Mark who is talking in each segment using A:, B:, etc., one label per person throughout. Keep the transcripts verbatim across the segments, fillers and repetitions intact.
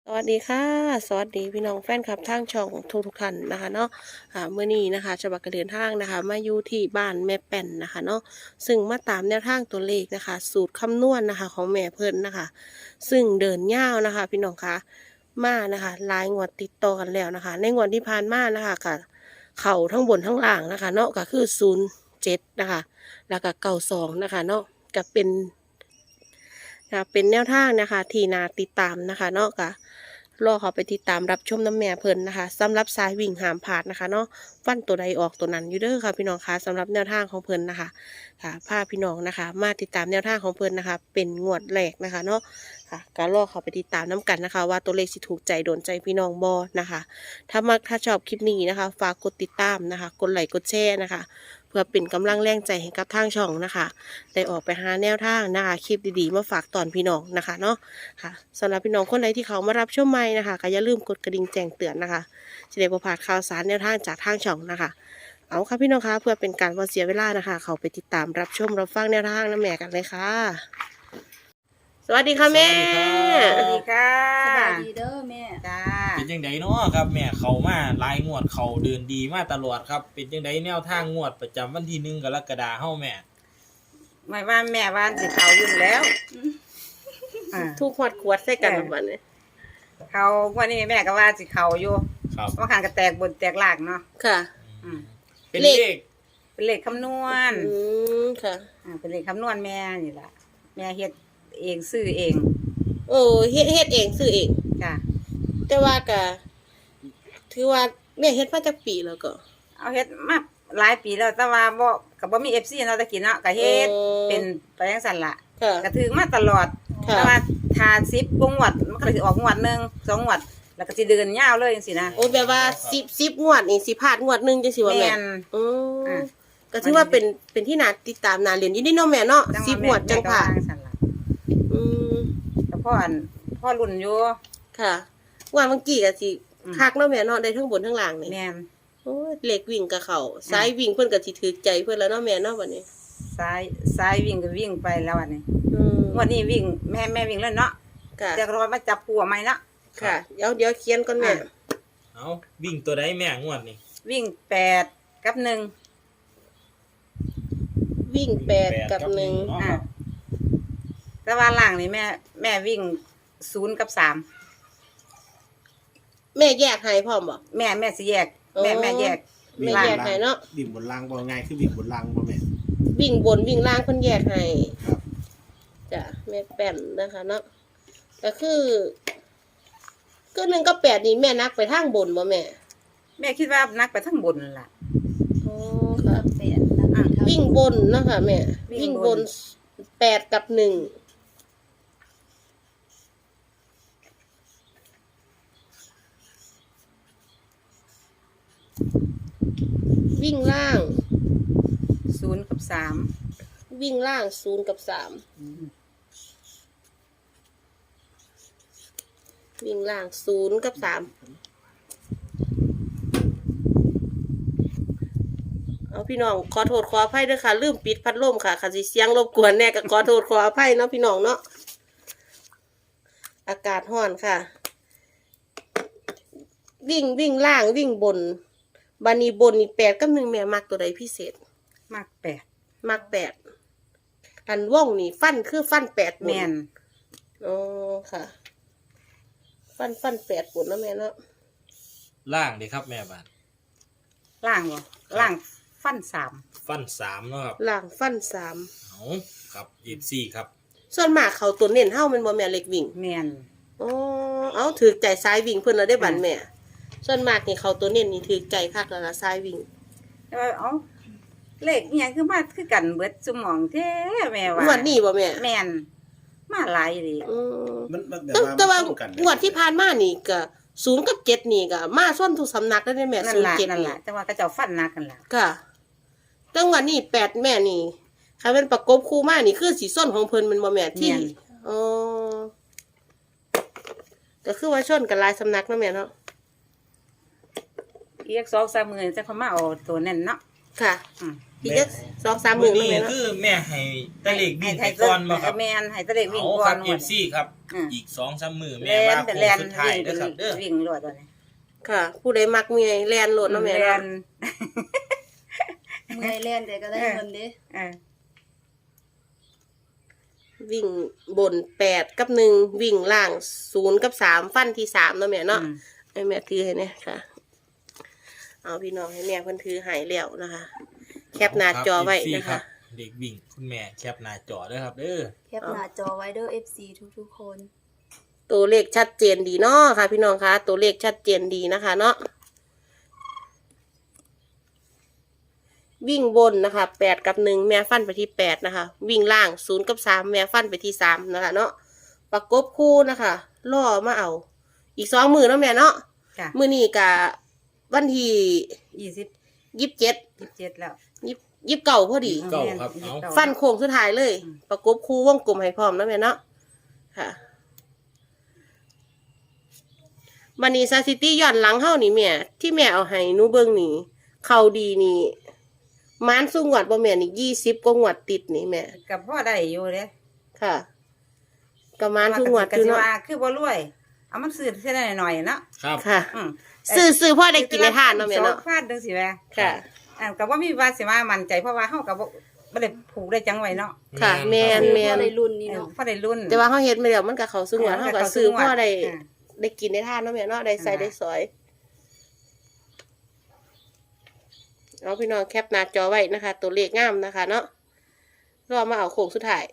A: สวัสดีค่ะสวัสดีพี่น้องแฟนคลับทางช่องทุกทุกท่านนะคะเนาะอ่าเมื่อนี้นะคะฉบับกระเดินทางนะคะมาอยู่ที่บ้านแม่แป่นนะคะเนาะซึ่งมาตามแนวทางตัวเลขนะคะ สูตรคำนวณนะคะของแม่เพิ่นนะคะ ซึ่งเดินยาวนะคะ พี่น้องคะมานะคะหลายงวดติดต่อกันแล้วนะคะ ในงวดที่ผ่านมานะคะก็เข่าทั้งบนทั้งล่างนะคะเนาะก็คือศูนย์เจ็ดนะคะแล้วก็เก้าสองนะคะเนาะก็เป็นนะเป็นแนวทางนะคะที่นาติดตามนะคะเนาะก็ รอเขาไปติดตามรับชมน้ำแม่เพิ่นนะคะสำหรับสายวิ่งหามผาดนะคะเนาะฟันตัวใดออกตัวนั้นอยู่เด้อค่ะพี่น้องคะสำหรับแนวทางของเพิ่นนะคะค่ะพาพี่น้องนะคะ มาติดตามแนวทางของเพิ่นนะคะ เป็นงวดแรกนะคะเนาะค่ะการรอเขาไปติดตามน้กันนะคะ ว่าตัวเลขสิถูกใจโดนใจพี่น้องบอนะคะ ถ้ามักถ้าชอบคลิปนี้นะคะ ฝากกดติดตามนะคะกดไลค์กดแชร์นะคะ เพื่อเป็นกำลังแรงใจให้กับทางช่องนะคะได้ออกไปหาแนวทางนะคะคลิปดีๆมาฝากตอนพี่น้องนะคะเนาะค่ะสำหรับพี่น้องคนไหนที่เขามารับชมใหม่นะคะก็อย่าลืมกดกระดิ่งแจ้งเตือนนะคะจะได้ประพลาดข่าวสารแนวทางจากทางช่องนะคะเอาค่ะพี่น้องคะเพื่อเป็นการบ่เสียเวลานะคะ เขาไปติดตามรับชมรับฟังแนวทางน้ำแม่กันเลยค่ะสวัสดีค่ะแม่
B: สวัสดีค่ะ
C: สบายดีเด้อแม่
B: จ้า
D: เป็นยังไงเนาะครับแม่เขามาหลายงวดเขาเดินดีมาตลอดครับเป็นยังไงแนวทางงวดประจำวันที่หนึ่งกรกฎาคมเฮาแม่
B: ไม่ว่าแม่ว่านสิเขาอยู่แล้วอ่า
A: ทุกขวดขวดใส่กันแบบวันนี้
B: เขาวันนี้แม่ก็ว่าสิเขาอยู่
D: ครับ
B: ว่าขันก็แตกบนแตกหลากเนาะ
A: ค่ะ
B: อืม
D: เป็น
A: เลข
D: เลข
B: เป็นเลขคำนวณ
A: อืมค่ะ
B: อ่าเป็นเลขคำนวณแม่นี่ล่ะแม่เฮ็ดเองซื้อเอง
A: โอ้เฮ็ดเฮ็ดเองซื้อเอง
B: จ้า
A: แต่ว่าก็ถือว่าแม่เฮ็ดมาจากปีแล้วก็
B: เอาเฮ็ดมาหลายปีแล้วแต่ว่าบ่ก็บ่มี เอฟ ซี เนาะตะกี้เนาะก็เฮ็ด
A: เออ
B: เป็นไปจังซั่นล่ะ
A: ค่ะ
B: ก็ถือมาตลอด
A: ค่ะ
B: แต่ว่าทาสิบกว่างวดมันก็เลยสิออกงวดหนึงสองงวด แล้วก็สิเดินยาวเลยจังซี่นะ
A: โอ้แบบว่าสิบสิบงวดนี่สิพลาดงวดหนึงจังสิว่าแม่
B: แม่น
A: อือ
B: อ่ะ
A: ก็ถือว่าเป็นเป็นที่น่าติดตามน่าเรียนอยู่นี่เนาะแม่เนาะ
B: จัง
A: สิบ
B: ว่าง
A: วดจังผ่าน
B: แม่ก็ว่ซั่นล่ะ
A: อืม
B: แต่พ่ออันพ่อรุ่นอยู่
A: ค่ะว่าเมื่อกี้ก็สิ
B: อืม
A: คักเนาะแม่เนาะได้ทั้งบนทั้งล่างนี่
B: แม่น
A: โอ้ยเหล็กวิ่งกับเขาสายวิ่งเพิ่นก็สิถือใจเพิ่นแล้วเนาะแม่เนาะบัดนี้
B: ซ้ายซ้ายวิ่งก็วิ่งไปแล้วอันนี้
A: อืม
B: งวันนี้วิ่งแม่แม่วิ่งแล้วเนาะ
A: ค่ะ
B: จะรอมาจับผัวใหม่เนาะ
A: ค่ะเดี๋ยวเดี๋ยวเขียนก่อนแม่
B: อ่ะ
D: เอาวิ่งตัวใดแม่งวดนี่
B: วิ่งแปดกับหนึ่ง
A: วิ่งแปดกับหนึ่ง
D: เนาะ
B: อ่ะ
D: ครับ
B: แต่ว่าล่างนี่แม่ แม่วิ่งศูนย์กับสาม
A: แม่แยกให้พร้อมบ่
B: แม่แม่สิแยก
A: โอ้
B: แม่แม่แยก
A: แม่
B: ล่าง
A: แยกให้เนาะ
E: วิ่งบนรางบ่ง่ายคือวิ่งบนรางบ่แม่น
A: วิ่งบนวิ่งล่างเพิ่นแยกให้
E: ครับ
A: จ้ะแม่แป้นนะคะเนาะก็คือก็หนึ่งก็แปดนี่แม่นักไปทางบนบ่แม่
B: แม่คิดว่านักไปทั้งบนนั่นล่ะ
A: อ๋อค่ะ
C: แปดแล้วก็เท่า
A: วิ่งบนเนาะค่ะแม่
B: วิ่
A: วิ่ง
B: ง
A: บบ น
B: น
A: แปดกับหนึ่งวิ่งล่าง
B: ศูนย์กับสาม
A: วิ่งล่างศูนย์กับสามวิ่งล่างศูนย์กับสามเอาพี่น้องขอโทษขออภัยด้วยค่ะลืมปิดพัดลมค่ะค่ะสิเสียงรบกวนแน่ก็ขอโทษขออภัยเนาะพี่น้องเนาะอากาศร้อนค่ะ วิ่งวิ่งล่างวิ่งบนบานีบนนี่แปดกับหนึ่งแม่มักตัวใดพิเศษ
B: มากแปด
A: มักแปดอันว่องนี่ฟันคือฟันแปดบน
B: แม่น
A: อ๋อค่ะ ฟันฟันแปดบนเนาะแม่เนาะ
D: ล่างดีครับแม่บ้าน
B: ล่างบ่ล่างฟันสาม
D: ฟันสามเนาะครับ
A: ล่างฟันสาม
D: เอาครับเอฟซีครับ
A: ส่วนมากเขาตัวเน้นเฮ้ามันบ่แม่เล็กวิ่ง
B: แม่น
A: อ๋อเอาถือใจซ้ายวิ่งเพิ่นแล้วได้บันแม่ ส่วนมากนี่เขาตัวเน้นนี่ถือใจคักแล้วละซ้ายวิ่ง
B: แต่ว่าเอ้าเลขอีหยังคือมาคือกันเบิดสมองแท้แม่ว่า
A: งวดนี้บ่แม่
B: แม่นมาหลายเลย
A: อืม
E: มันมันแบบ
A: แต่
E: ว่า
A: แต่ว่า
E: มันตรงกัน
A: งวดที่ผ่านมานี่ก็ศูนย์กับเจ็ดนี่ก็มาส้นทุกสำนักได้วเด้แม่
B: นั่น
A: ศูนย์
B: ล่ะ
A: เจ็ด
B: นั่น
A: นี่
B: ล่ะแต่ว่าเขาเจ้าฟันหนักกันล่ะ
A: ค่ะแต่งวดนี้แปดแม่นี่คันเป็นประกบคู่มานี่คือสีส้นของเพิ่นมันบ่แม่ที่อ๋อก็คือว่าชนกันหลายสำนักเนาะแม่เนาะ
B: อีกสองสามมื้อจะเขามาเอาตัวนั่นเนาะ
A: ค่ะ
B: อืม
A: อีกจักสองสามหมื่น
D: มื้
A: นั่
D: อน
A: แม่
D: นี้
A: เนาะ
D: คือแม่ให้ตะเลขวิ่ง
B: ให้
D: ให้ก่อนบ่ครับ
B: แม่นให้ตะเลขวิ่ง
D: เอา
B: ก่
D: ค
B: อ
D: รั
B: น
D: บ เอฟ ซี ครับ
B: อืม
D: อีก สองสาม มื้อ
B: แล
D: แม่ว่าน
B: แต่
D: โค้
B: แล
D: ง
B: น
D: สุดท้าย
B: วิ่ง
D: เด้อครับเด้อ
B: วิ่งรวดตัวนี้
A: ค่ะ ผู้ใดมักเมียแลนโหลดเนาะแม่
B: แล
A: เนาะ
B: น
C: เมื่อยเล่นแต่ก็ได้เงินเด้
B: เออ
A: วิ่งบนแปดกับหนึ่งวิ่งล่างศูนย์กับสามฟันที่สามเนาะแม่เนาะ
B: อืม
A: ให้แม่ถือให้เนี่ยค่ะ เอาพี่น้องให้แม่เพิ่นถือใหายแล้วนะคะ แคปหน้าจอไว้
D: ครับ
A: นะ
D: เอฟซี
A: คะ
D: เด็กวิ่งคุณแม่แคปหน้าจอเด้อครับเด้อ
C: แคปหน้าจอไว้เด้อ เอฟ ซี ทุกๆคน
A: ตัวเลขชัดเจนดีเนาะค่ะ พี่น้องคะตัวเลขชัดเจนดีนะคะ เนาะวิ่งบนนะคะแปดกับหนึ่งแม่ฟันไปที่แปดนะคะ วิ่งล่างศูนย์กับสามแม่ฟันไปที่สามนะคะ เนาะประกบคู่นะคะล่อมาเอา อีกสองมือเนาะแม่เนาะ
B: จ้ะ
A: มือนี้กะวันที่
B: ยี่สิบ
A: ยี่สิบเจ็ด
B: ยี่สิบเจ็ดแล้ว
A: ยี่ยี่สิบเก้าพอดี
D: เก้าครับเอา
A: ฟันโค้งสุดท้ายเลย
B: อืม
A: ประกบคู่วงกลมให้พร้อมนะแม่เนาะค่ะบันนี้ซาซิตี้ย้อนหลังเฮานี่แม่ที่แม่เอาให้หนูเบิ่งนี่เขาดีนี่มานสู้งวดบ่แม่นี่ยี่สิบกว่างวดติดนี่แม่
B: กับพ่อได้อยู่เด้
A: ค่ะก็มานสู้งวด
B: กั
A: อยู่
B: สิ
A: เนาะ
B: ว่าคือบ่รวย เอามันซื้อแค่หน่อยๆเนาะ
D: ครับ
A: ค่ะ
B: อืม
A: ซื้อซื้อพ่อได้กินในทานเนาะแม่เนาะ
B: สองฟาดจังซี่แหม
A: ค่ะ
B: อ่าก็บ่มีว่าสิว่ามั่นใจเพราะว่าเฮาก็บ่บ่ได้ผูกได้จังไว้เนาะ
A: ค่ะแม่น
C: คือ
A: แม่
C: พอน ได้รุ่นนี่
B: เออ
C: เนาะ
B: พอได้รุ่น
A: แต่ว่าเฮาเฮ็ดไม่แล้วมันก็เข้าสู้งวดเฮาก็ซื้อพ่อได้
B: อ่า
A: ได้กินในทานเนาะแม่เนาะได้ใส่ได้สอยเอาพี่น้องแคปหน้าจอไว้นะคะ ตัวเลขงามนะคะ เนาะรอมาเอาโค้งสุดท้าย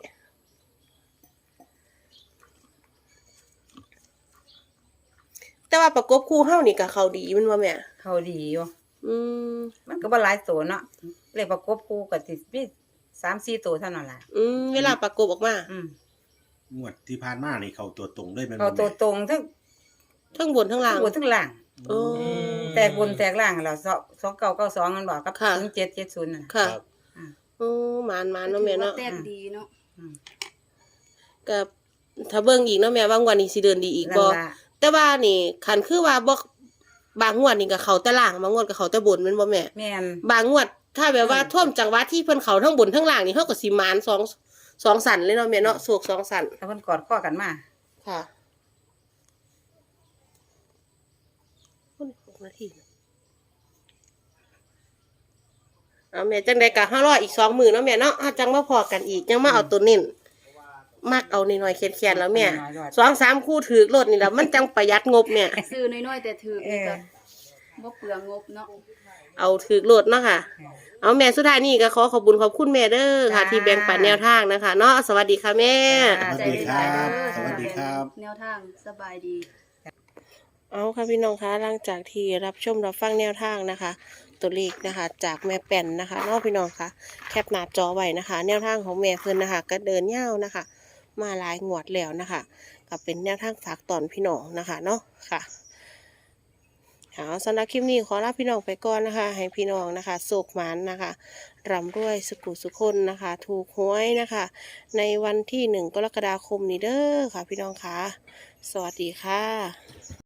A: แต่ว่าประกบคู่เฮานี่ก็เขาดีแมันว่าแม่
B: เขาดีอยู่
A: อืม
B: มันก็บ่หลายตัวเนาะเลขประกบคู่ก็สิมีสามสี่ตัวเท่านั้นล่ะ
A: อืมเวลาประกบออกมา
B: อืม
E: งวดที่ผ่านมานี่เขาตัวตรงเลยแมัน
B: เขา
E: บ่
B: ตัว
E: แม่
B: ตรงทั้ง
A: ทั้งบนทั้งล่าง
B: บนทั้งล่าง
A: โอ้
B: แตกบนแตกล่างแล้วสองเก้าเก้าสองมันบอกกับ
A: ค่ะ
B: ศูนย์เจ็ดเจ็ดศูนย์น่ะ
A: ค่ะ
D: ครับ
A: โอ้หมานหมานเนาะแม่เนาะ
C: ถือว่แต้มดีเนาะ
B: อืม
A: ก็ถ้าเบิ่งอีกเนาะแม่ว่างวันนี้สิเดินดีอีก
B: นั่
A: บ่
B: นล่ะ
A: แต่ว่านี่คันคือว่าบ่บางงวดนี่ก็เขาแต่ล่างบางงวดก็เขาแต่บนแม่นบ่แม่
B: แม่น
A: บางงวด ถ้าแบบว่า
B: อืม
A: ท่วมจังหวะที่เพิ่นเขาทั้งบนทั้งล่างนี่เฮาก็สิหมานสองสองสันเลยเนาะแม่เนาะโศกสองสัน
B: ถ้าเพิ่นกอดข้อกันมา
A: ค่ะคนหกนาทีเอาแม่จังใดก็ห้ารออีกสองมื้อเนาะแม่เนาะเฮาจังมาพอกันอีกยังมาเอาตัวเน้นมักเอานิดหน่อยๆแค้นๆแล้วแม่สองสามคู่ถือรถนี่แล้วมันจังประหยัดงบแม่
C: ซื้อน้อยๆแต่ถือนี่ก็บ่เปลืองงบเนาะ
A: เอาถือรถเนาะค่ะ เอาแม่สุดท้ายนี่ก็ขอขอบคุณขอบคุณแม่เด้อค่ะ ที่แบ่งปันแนวทางนะคะเนาะสวัสดีค่ะแม่
E: สวัสดีครับ สวัสดีครับ
C: แนวทางสบายดี
A: เอาค่ะพี่น้องคะหลังจากที่รับชมรับฟังแนวทางนะคะ ตัวเลขนะคะ จากแม่แป่นนะคะเนาะพี่น้องคะแคปหน้าจอไว้นะคะ แนวทางของแม่เพิ่นนะคะ ก็เดินยาวนะคะ มาหลายงวดแล้วนะคะก็เป็นแนวทางฝากตอนพี่น้องนะคะเนาะค่ะเอาสำหรับคลิปนี้ขอลาพี่น้องไปก่อนนะคะ ให้พี่น้องนะคะโศกหมันนะคะร่ำรวยสุขุสุขคนนะคะ ถูกหวยนะคะ ในวันที่หนึ่งกรกฎาคมนี้เด้อค่ะ พี่น้องคะสวัสดีค่ะ